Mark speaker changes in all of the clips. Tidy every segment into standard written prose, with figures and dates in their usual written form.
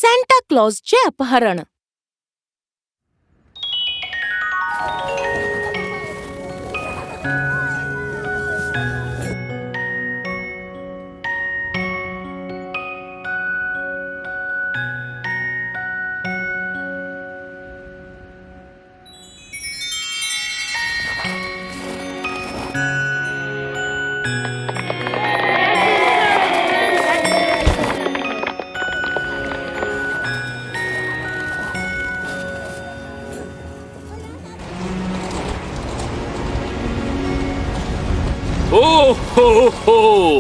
Speaker 1: Santa क्लॉजचे अपहरण.
Speaker 2: हो ho हो.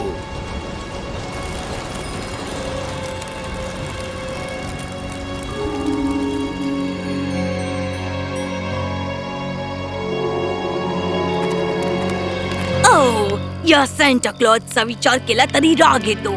Speaker 3: या सॅन्टा क्लॉजचा विचार केला तरी राग येतो.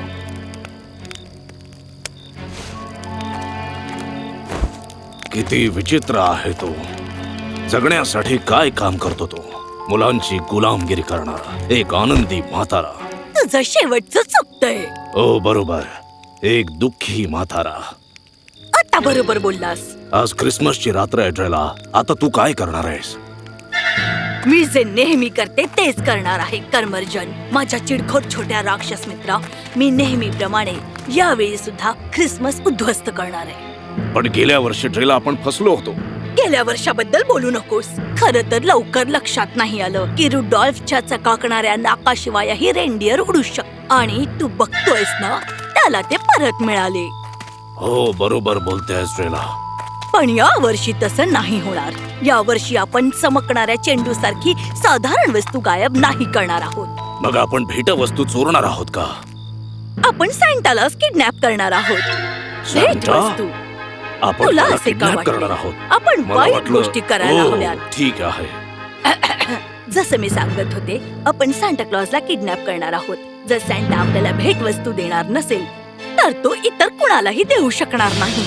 Speaker 4: किती विचित्र आहे तो. जगण्यासाठी काय काम करतो तो. मुलांची गुलामगिरी करणारा एक आनंदी म्हातारा.
Speaker 3: तुझं शेवटचं चुकतंय.
Speaker 4: ओ बरोबर, एक दुःखी म्हातारा.
Speaker 3: आता बरोबर बोललास.
Speaker 4: आज क्रिसमसची रात्र आहे ड्रेला. आता तू काय करणार आहेस?
Speaker 3: मी जे नेहमी करते तेच करणार आहे कर्मर्जन. माझ्या चिडखोर छोट्या राक्षस मित्रा, मी नेहमीप्रमाणे यावेळी सुद्धा ख्रिसमस उद्ध्वस्त करणार आहे.
Speaker 4: पण गेल्या वर्षी ड्रेला आपण फसलो होतो.
Speaker 3: गेल्या वर्षाबद्दल बोलू नकोस. खरं तर लवकर लक्षात नाही आलं की रुडॉल्फच्या चकाकणाऱ्या नाकाशिवायही रेनडियर उडू शकत. आणि तू बघतोयस ना, त्याला ते परत मिळाले.
Speaker 4: हो बरोबर बोलतेस ड्रेला.
Speaker 3: पण या वर्षी तसं नाही होणार. या वर्षी आपण चमकणाऱ्या चेंडू सारखी साधारण वस्तू गायब नाही करणार आहोत.
Speaker 4: मग आपण भेटवस्तू चोरणार आहोत का?
Speaker 3: आपण सॅन्टालाच किडनॅप करणार आहोत.
Speaker 4: सॅन्टा?
Speaker 3: भेटवस्तू.
Speaker 4: आपण
Speaker 3: तुला
Speaker 4: त्याला
Speaker 3: असे का
Speaker 4: किडनॅप
Speaker 3: वाटले?
Speaker 4: करणार आहोत?
Speaker 3: आपण
Speaker 4: मला
Speaker 3: वाईट
Speaker 4: वाटलं-
Speaker 3: गोष्टी करायला
Speaker 4: ओ,
Speaker 3: हव्यात.
Speaker 4: ठीक आहे.
Speaker 3: जसं मी सांगत होते, आपण सॅन्टा क्लॉजला किडनॅप करणार आहोत. जर सॅन्टा आपल्याला भेटवस्तू देणार नसेल तर तो इतर कुणालाही देऊ शकणार नाही.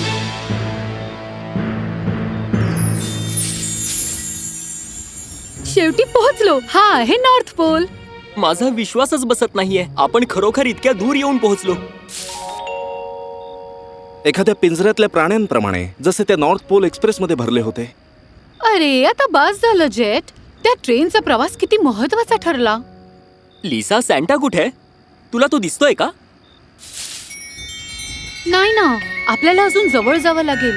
Speaker 5: शेवटी पोहोचलो. हा आहे नॉर्थ पोल.
Speaker 2: माझा विश्वासच बसत नाहीये. आपण खरोखर इतक्या दूर येऊन पोहोचलो.
Speaker 4: एखाद्या पिंजऱ्यातल्या प्राण्यांप्रमाणे, जसे त्या नॉर्थ पोल एक्सप्रेस मध्ये भरले होते.
Speaker 5: अरे आता बस झालं जेट. त्या ट्रेनचा प्रवास किती महत्वाचा ठरला.
Speaker 2: लिसा, सॅन्टा कुठे आहे? तुला तो दिसतोय का?
Speaker 5: नाही ना, आपल्याला अजून जवळ जावं लागेल.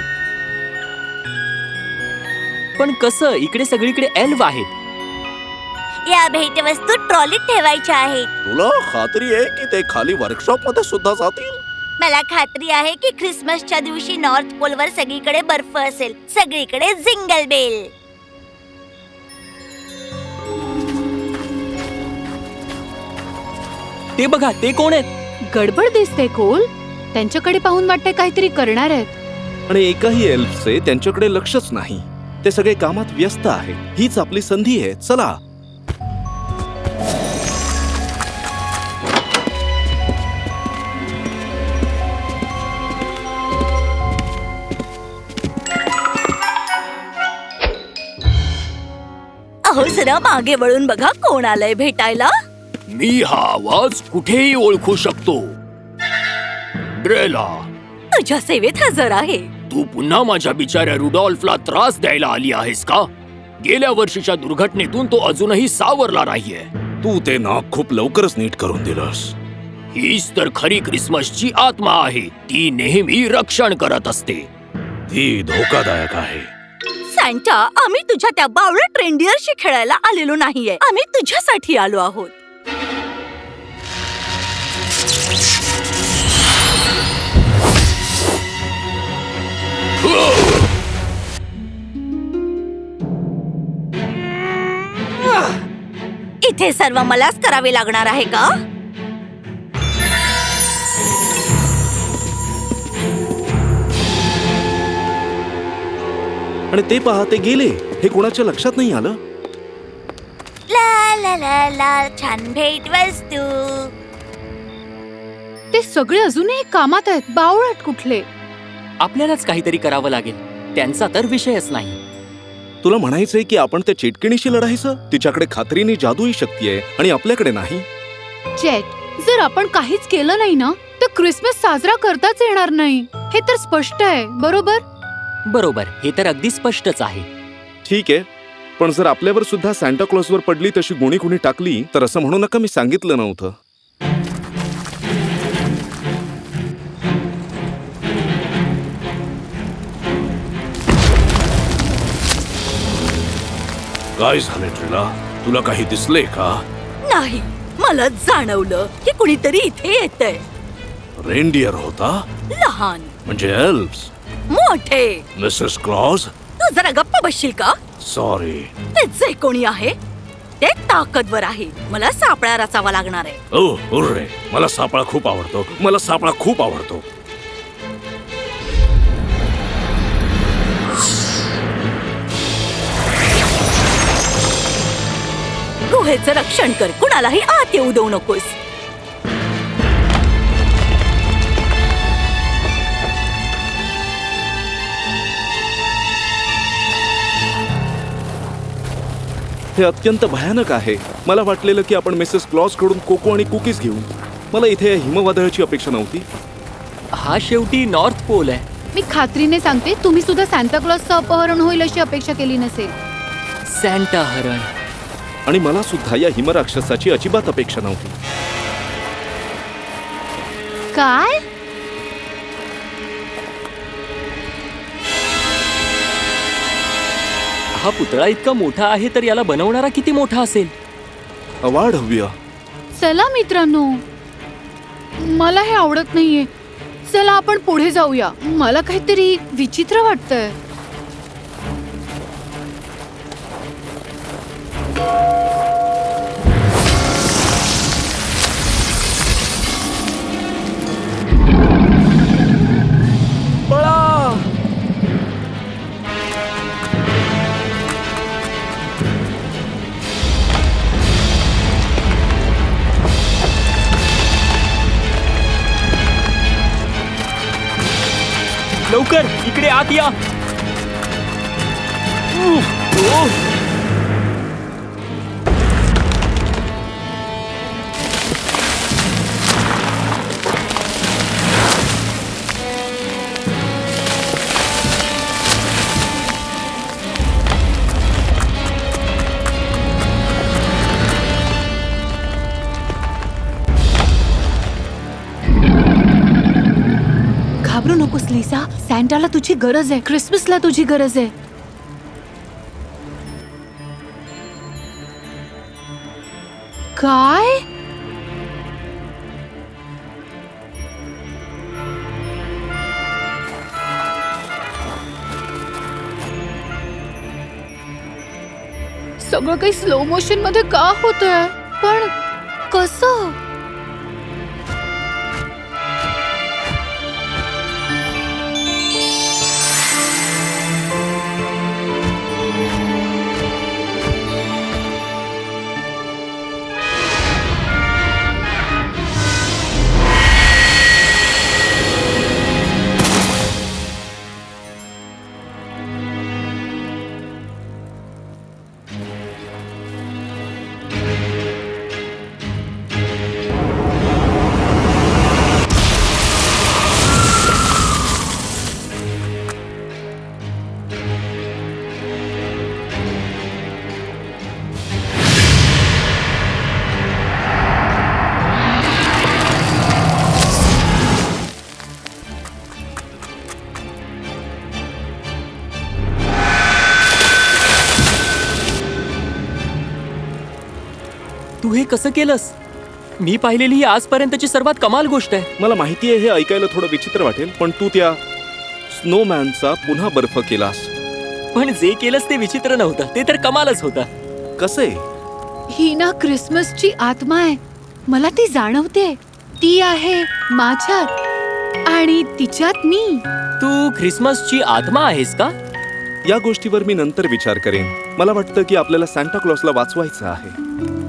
Speaker 2: पण कसं? इकडे सगळीकडे एल्फ आहेत.
Speaker 3: या भेटवस्तू ट्रॉलीत ठेवायच्या आहेत.
Speaker 4: तुला खात्री आहे की ते खाली वर्कशॉप मध्ये सुद्धा जातील?
Speaker 3: मला खात्री आहे की ख्रिसमसच्या दिवशी नॉर्थ पोलवर सगळीकडे बर्फ असेल. सगळीकडे जिंगल बेल.
Speaker 2: ते बघा, ते कोण आहेत?
Speaker 5: गडबड दिसते कोल. त्यांच्याकडे पाहून वाटते काहीतरी करणार आहेत.
Speaker 4: आणि एकाही एल्फचे त्यांच्याकडे लक्षच नाही. ते सगळे कामात व्यस्त आहेत. हीच आपली संधी आहे. चला.
Speaker 3: अहो जरा मागे वळून बघा, कोण आलंय भेटायला.
Speaker 2: मी हा आवाज कुठेही ओळखू शकतो. ड्रेला,
Speaker 3: तुझ्या सेवेत हजर आहे.
Speaker 2: तू पुन्हा माझ्या बिचाऱ्या रुडॉल्फला त्रास द्यायला आली आहेस का? गेल्या वर्षीच्या दुर्घटनेतून तो अजूनही सावरला नाहीये.
Speaker 4: तू ते नाक खूप लवकरच नीट करून दिलंस.
Speaker 2: हीच तर खरी क्रिसमसची आत्मा आहे. ती नेहमी रक्षण करत असते.
Speaker 4: ती धोकादायक आहे.
Speaker 3: सॅन्टा, आम्ही तुझ्या त्या बावळट रेनडियरशी खेळायला आलेलो नाहीये. आम्ही तुझ्यासाठी आलो आहोत. इथे सर्व मलाच करावे लागणार आहे का?
Speaker 4: आणि ते पहा, ते गेले. हे कोणाच्या लक्षात नाही आलं.
Speaker 3: ला ला ला ला, छान भेटवस्तू.
Speaker 5: ते सगळे अजूनही कामात आहेत. बावळट कुठले.
Speaker 2: आपल्यालाच काहीतरी करावं लागेल. त्यांचा तर विषयच नाही.
Speaker 4: तुला म्हणायचंय की आपण त्या चिटकिणीशी लढायचं? तिच्याकडे खात्रीने जादुई शक्ती आहे आणि आपल्याकडे नाही.
Speaker 5: जेट, जर आपण काहीच केलं नाही ना तर क्रिसमस साजरा करताच येणार नाही हे तर स्पष्ट आहे, बरोबर?
Speaker 2: बरोबर, हे तर अगदी स्पष्टच आहे.
Speaker 6: ठीक आहे, पण जर आपल्यावर सुद्धा सांता क्लॉजवर पडली तशी गुणी कुणी टाकली तर असं म्हणू नका मी सांगितलं नव्हतं.
Speaker 4: काय झाले ट्रिला? तुला काही दिसले का?
Speaker 3: नाही, मला जाणवलं की कुणीतरी इथे येतंय.
Speaker 4: रेनडियर होता?
Speaker 3: लहान,
Speaker 4: म्हणजे एल्व्स?
Speaker 3: मोठे.
Speaker 4: Mrs clause?
Speaker 3: तू जरा गप्प बसशील का?
Speaker 4: सॉरी.
Speaker 3: ते जे कोणी आहे ते ताकदवर आहे. मला सापळा रचावा लागणार आहे.
Speaker 4: ओ हुर्रे, मला सापळा खूप आवडतो. मला सापळा खूप आवडतो.
Speaker 3: गुहेचं रक्षण कर, कुणालाही आत येऊ देऊ नकोस.
Speaker 6: हे अत्यंत भयानक आहे. मला वाटलेलं की आपण मिसेस क्लॉज कडून कोको आणि कुकीज घेऊ. मला इथे या हिमवादळाची अपेक्षा नव्हती.
Speaker 2: हा शेवटी नॉर्थ पोल आहे.
Speaker 5: मी खात्रीने सांगते, तुम्ही सुद्धा सांता क्लॉजचं अपहरण होईल अशी अपेक्षा केली नसेल.
Speaker 2: सॅन्टा हरण.
Speaker 6: आणि मला सुद्धा या हिमराक्षसाची अजिबात अपेक्षा नव्हती.
Speaker 5: काय?
Speaker 2: हा पुतळा इतका मोठा आहे तर याला बनवणारा किती मोठा असेल?
Speaker 6: अवाढव्य.
Speaker 5: चला मित्रांनो, मला हे आवडत नाहीये. चला आपण पुढे जाऊया. मला काहीतरी विचित्र वाटतंय.
Speaker 2: लवकर इकडे आत या.
Speaker 5: घाबरू नकोस लिसा. सॅन्टाला तुझी गरज आहे, क्रिसमसला तुझी गरज आहे. काय? सगळं काही स्लो मोशन मध्ये का होतंय? पण कसं?
Speaker 2: तू हे कसं केलंस? मी पाहिलेली ही आजपर्यंतची सर्वात कमाल गोष्ट आहे.
Speaker 6: मला माहिती आहे हे ऐकायला थोडं विचित्र वाटेल, पण तू त्या स्नोमॅनचा पुन्हा बर्फ केलास.
Speaker 2: पण जे केलंस ते विचित्र नव्हतं, ते तर कमालच होतं.
Speaker 6: कसे?
Speaker 5: ही ना क्रिसमसची आत्मा आहे. मला ती जाणवते. ती आहे माझ्यात आणि तिच्यात मी.
Speaker 2: तू ख्रिसमसची आत्मा आहेस का?
Speaker 6: या गोष्टीवर मी नंतर विचार करेन. मला वाटतं की आपल्याला सांता क्लॉजला वाचवायचं आहे.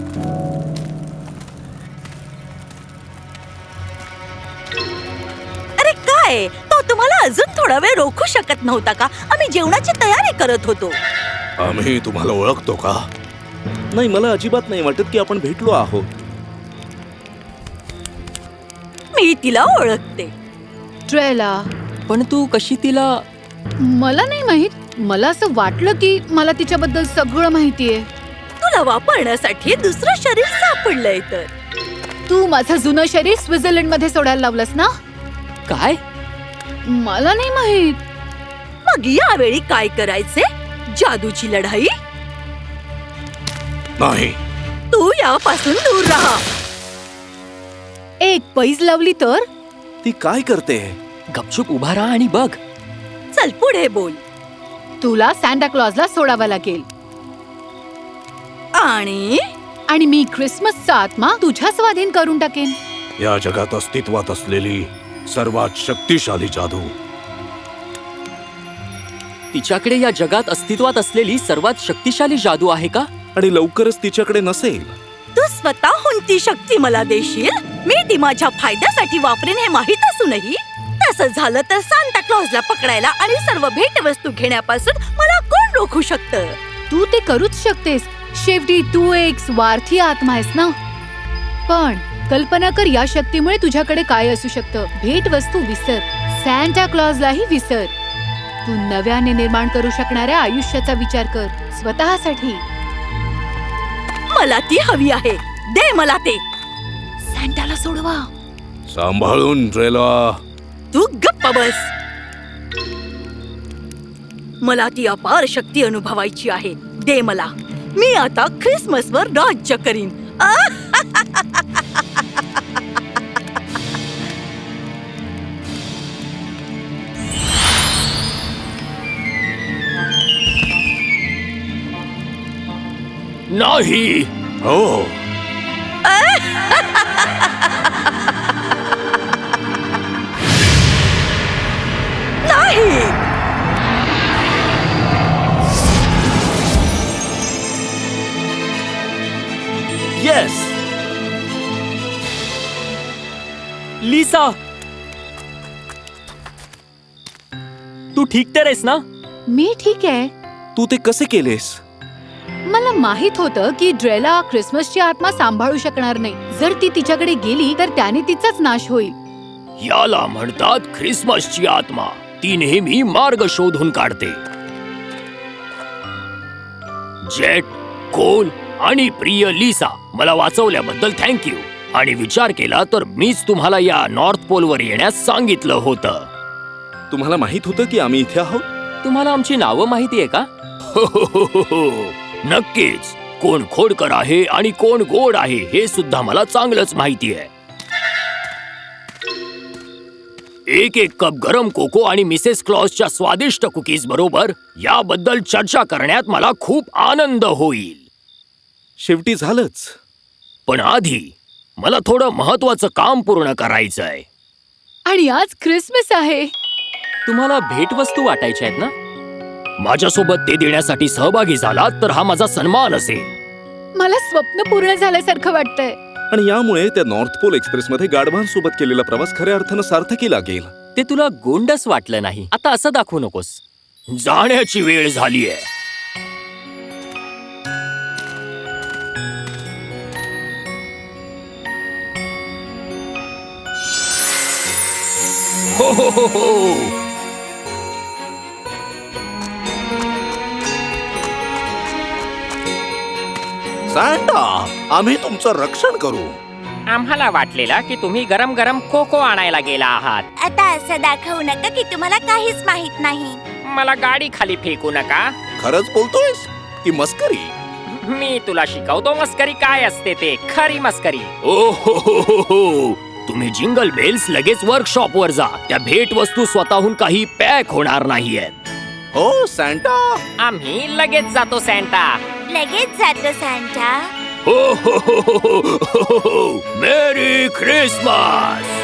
Speaker 3: अरे काय, तो तुम्हाला अजून थोडा वेळ रोखू शकत नव्हता का? आम्ही जेवणाची तयारी करत होतो.
Speaker 4: आम्ही तुम्हाला ओळखतो का?
Speaker 6: नाही, मला अजिबात नाही वाटत की आपण भेटलो आहोत.
Speaker 3: मी मी तिला ओळखते.
Speaker 5: ट्रेला,
Speaker 2: पण तू कशी तिला?
Speaker 5: मला नाही माहित. मला असं वाटलं की मला तिच्याबद्दल सगळं माहितीये.
Speaker 3: तुला वापरण्यासाठी दुसरं शरीर सापडलंय तर.
Speaker 5: तू माझं जुनं शरीर स्वित्झर्लंड मध्ये सोडायला लावलंस ना?
Speaker 2: काय?
Speaker 5: मला नाही माहित.
Speaker 3: मग यावेळी काय करायचे? जादूची लढाई?
Speaker 4: नाही.
Speaker 3: तू यापासून दूर राहा.
Speaker 5: एक पैज लावली तर?
Speaker 6: ती काय करते?
Speaker 2: गपचूप उभा राहा आणि बघ.
Speaker 3: चल पुढे बोल.
Speaker 5: तुला सॅन्टा क्लॉजला सोडावं लागेल
Speaker 3: आणि
Speaker 5: मी ख्रिसमसचा आत्मा तुझ्या स्वाधीन करून टाकेन.
Speaker 4: या जगात अस्तित्वात असलेली सर्वात शक्तिशाली जादू.
Speaker 2: तिच्याकडे या जगात अस्तित्वात असलेली सर्वात शक्तिशाली जादू आहे का?
Speaker 6: आणि लवकरच तिच्याकडे नसेल.
Speaker 3: तू स्वतःहून ती शक्ती मला देशील? मी ती माझ्या फायद्यासाठी वापरेन हे माहित असूनही? तसं झालं तर सांता क्लॉजला पकडायला आणि सर्व भेटवस्तू घेण्यापासून मला कोण रोखू शकतं?
Speaker 5: तू ते करूच शकतेस. शेवटी तू एक स्वार्थी आत्मा आहेस ना. पण कल्पना कर, या शक्तीमुळे तुझ्याकडे काय असू शकतं. भेटवस्तू विसर, सॅन्टा क्लॉजलाही विसर. तू नव्याने निर्माण करू शकणाऱ्या आयुष्याचा विचार कर, स्वतःसाठी.
Speaker 3: मला ती हवी आहे. दे मला ते.
Speaker 5: सॅन्टाला सोडवा.
Speaker 4: सांभाळून ट्रेला.
Speaker 3: तू गप्प बस. मला ती अपार शक्ती अनुभवायची आहे. दे मला. मी आता ख्रिसमसवर राज्य करीन.
Speaker 2: नाही.
Speaker 4: हो.
Speaker 3: नाही.
Speaker 2: येस. लिसा, तू ठीक तर आहेस ना?
Speaker 5: मी ठीक आहे.
Speaker 6: तू ते कसे केलेस?
Speaker 5: मला माहित होतं की ड्रेला ख्रिसमसची आत्मा सांभाळू शकणार नाही. जर ती तिच्याकडे गेली तर त्याने तिचाच नाश होईल.
Speaker 2: याला म्हणतात ख्रिसमसची आत्मा. ती नेहमी मार्ग शोधून काढते. जेट, कोल आणि प्रिय लिसा, मला वाचवल्याबद्दल थँक्यू. आणि विचार केला तर मीच तुम्हाला या नॉर्थ पोलवर येण्यास सांगितलं होतं.
Speaker 6: तुम्हाला माहित होतं की आम्ही इथे आहोत?
Speaker 2: तुम्हाला आमची नावं माहितीये का? नक्कीच. कोण खोडकर आहे आणि कोण गोड आहे हे सुद्धा मला चांगलंच माहिती आहे. एक कप गरम कोको आणि मिसेस क्लॉजच्या स्वादिष्ट कुकीज बरोबर याबद्दल चर्चा करण्यात मला खूप आनंद होईल.
Speaker 6: शेवटी झालंच.
Speaker 2: पण आधी मला थोडं महत्वाचं काम पूर्ण करायचंय.
Speaker 5: आणि आज ख्रिसमस आहे.
Speaker 2: तुम्हाला भेटवस्तू वाटायच्या आहेत ना? माझ्यासोबत ते देण्यासाठी सहभागी झालात तर हा माझा सन्मान असेल.
Speaker 5: मला स्वप्न पूर्ण झाल्यासारखं वाटतंय.
Speaker 6: आणि यामुळे त्या नॉर्थ पोल एक्सप्रेसमध्ये गाढवांसोबत केलेला प्रवास खऱ्या अर्थानं सार्थकी लागेल.
Speaker 2: ते तुला गोंडस वाटलं नाही. आता असं दाखवू नकोस. जाण्याची वेळ झालीये. हो हो हो हो.
Speaker 4: सांटा, आम्ही तुमचं रक्षण करू.
Speaker 7: आम्हाला वाटलेलं की तुम्ही गरम गरम कोको आणायला गेला आहात.
Speaker 8: आता असं दाखवू नका की तुम्हाला काहीच माहित नाही.
Speaker 7: मला गाडी खाली फेकू नका.
Speaker 4: खरंच बोलतोयस की मस्करी?
Speaker 7: मी तुला शिकवतो मस्करी काय असते ते. खरी मस्करी.
Speaker 2: ओ हो हो हो हो. तुम्ही जिंगल बेल्स लगेच वर्कशॉप वर जा. त्या भेटवस्तू स्वतःहून काही पॅक होणार नाहीयेत.
Speaker 4: हो सांटा.
Speaker 7: आम्ही लगेच जातो सॅन्टा.
Speaker 8: लगेच जातो सॅन्टा.
Speaker 2: हो ho ho ho ho ho. Merry Christmas.